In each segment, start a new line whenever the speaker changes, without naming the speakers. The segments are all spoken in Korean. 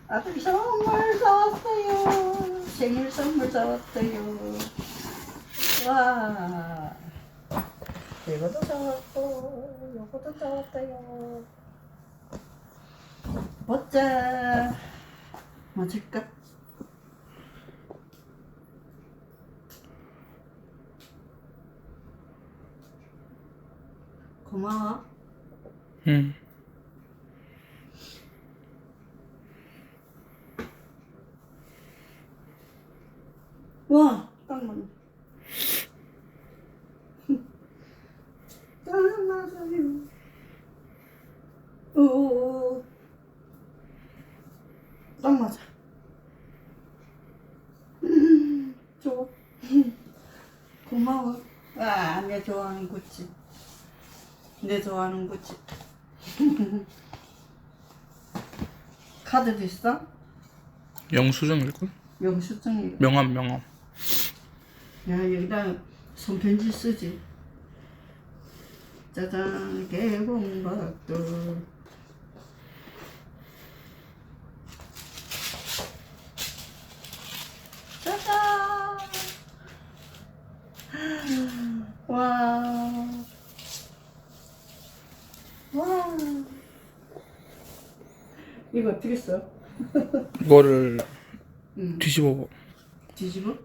아들이 선물 사왔어요. 생일 선물 사왔어요. 와, 이것도 사왔고, 이것도 사왔어요. 보자. 뭐 줄까? 고마워.
응.
와, 딱 맞네. 딱 맞아요. 오, 딱 맞아. 좋아. 고마워. 와, 내 좋아하는 구찌. 내 좋아하는 구찌. 카드도 있어?
영수증일걸?
영수증이.
명함.
야, 여기다 손편지 쓰지. 짜잔, 개봉박도. 짜잔! 와. 와. 이거 어떻게 써?
이거를
응.
뒤집어.
뒤집어?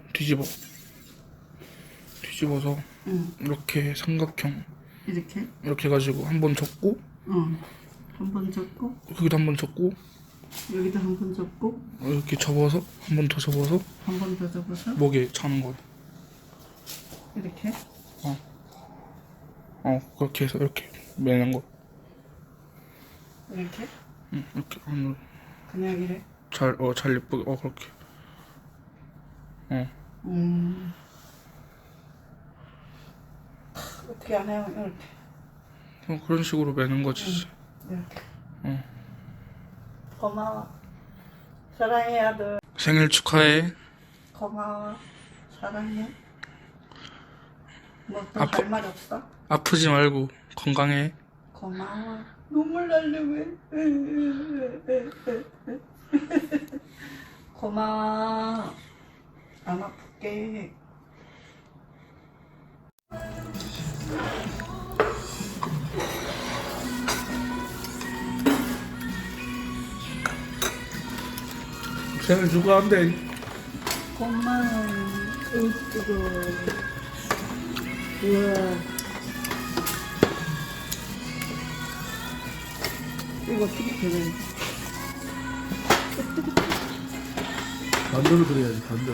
뒤집어서
응.
이렇게 삼각형
이렇게?
이렇게 해가지고 한 번 접고
응. 한 번 접고,
여기도 한 번 접고
여기도 한 번 접고,
이렇게 접어서 한 번 더 접어서
한 번 더 접어서,
목에 차는 거야.
이렇게?
그렇게 해서 이렇게 매는 거.
이렇게?
응, 이렇게 안으로
그냥 이래?
잘 예쁘게 그렇게.
어떻게 안 해요? 이렇게.
그런 식으로 매는 거지.
이렇게.
응.
고마워. 사랑해, 아들.
생일 축하해.
고마워. 사랑해. 뭐 또
아프-
할 말 없어?
아프지 말고 건강해.
고마워. 눈물 날려왜? 고마워. 안 아플게.
생일 축하한대.
고마워. 으뜨거. 우와. 이거 어떻게 되는지.
반대로 그려야지, 반대로.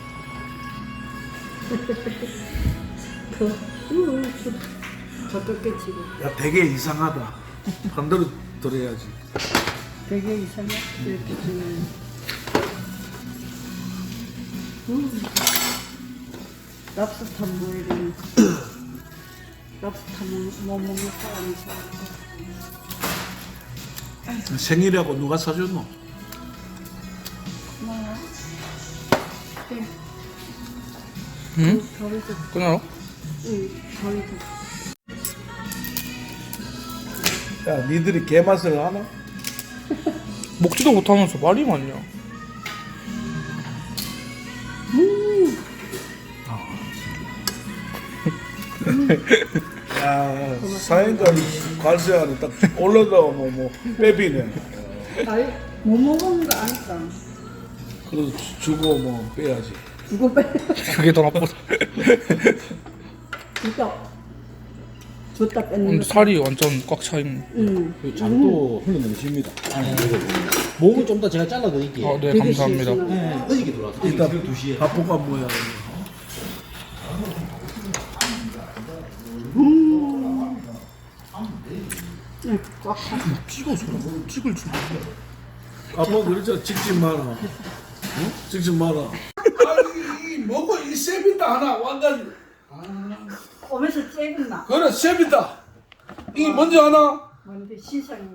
더 꺾여지고.
야, 되게 이상하다. 반대로 들어야지.
되게 이상해. 이렇게 주면. 랍스터 뭐이래. 랍스터 뭐 먹는 사람이 좋아하고.
생일이라고 누가 사줬노?
고마워. 네.
응?
저리서.
끊어.
응, 저리서.
야, 니들이 개맛을 하나?
먹지도 못하면서 말이 많냐.
야, 사인관 관세 안에 딱 올라가고 뭐 빼비네.
아이, 못 먹은 거 아니까.
그래서 주고 뭐 빼야지.
누구 빼?
그게 더 나쁘다.
진짜. 줬다 뺐는
근데
거.
살이 완전 꽉 차 있네.
응.
장도 흘러내면 쉽니다. 목은 좀 더 제가 잘라드릴게요.
네,
되게
감사합니다.
시원하네.
네, 어저께 들어왔어요.
이따
새벽 2시에.
바쁘가 뭐야.
응, 꽉 차.
찍어서 찍을 줄 몰라.
아빠 그러죠. 찍지 마라. 어? 찍지 마라. 아니, 이 뭐고 이 셉이다 하나 완전.
오면서 째겠나?
그래 셉이다. 이 뭔지 아나?
뭔데 시상이네.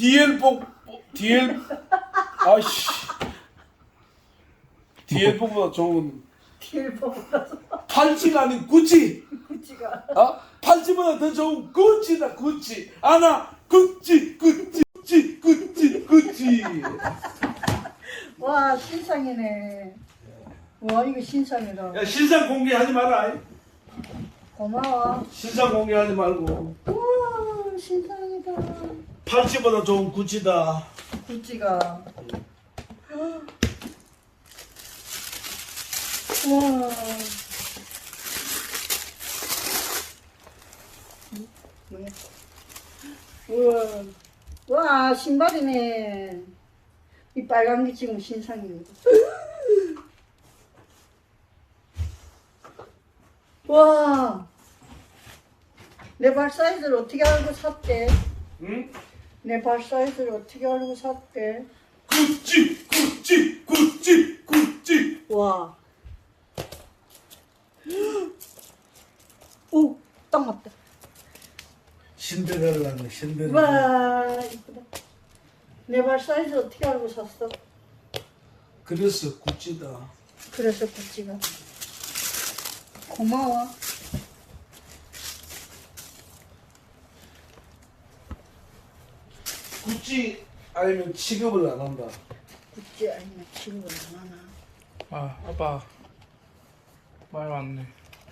DL 아이씨. DL4보다 좋은
킬보다서
팔찌가 아닌 구찌.
구찌가.
팔찌보다 더 좋은 구찌다 구찌. 아나 구찌.
와, 신상이네. 와, 이거 신상이다.
야 신상 공개하지 마라.
고마워.
신상 공개하지 말고.
우와, 신상이다.
80보다 좋은 구찌다.
구찌가. 우와. 뭐야? 우와. 와, 신발이네. 이 빨간 게 지금 신상입니다. 와. 내 발 사이즈를 어떻게 알고 샀대?
응?
내 발 사이즈를 어떻게 알고 샀대?
구찌 구찌 구찌 구찌.
와. 오, 딱 맞다.
신데렐라네 신데렐라.
와, 이쁘다. 내 발 사이즈 어떻게 알고 샀어?
그래서 구찌다.
그래서 구찌가. 고마워.
구찌 아니면 취급을 안 한다.
구찌 아니면 취급을 안 하나?
아 아빠 말 맞네.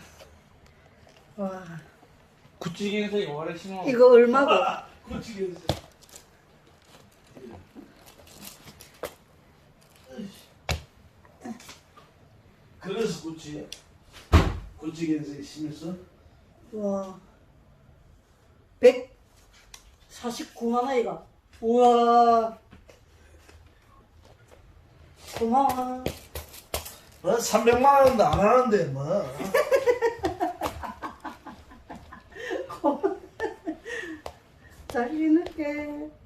와.
구찌개에서 이거 원래 신어.
이거 얼마고?
구찌겠어. 그래서 구찌야. 구찌겠어 심했어?
와. 149만 원이가. 우와. 고마워.
뭐 300만 원도 안 하는데 뭐.
잘 지낼게.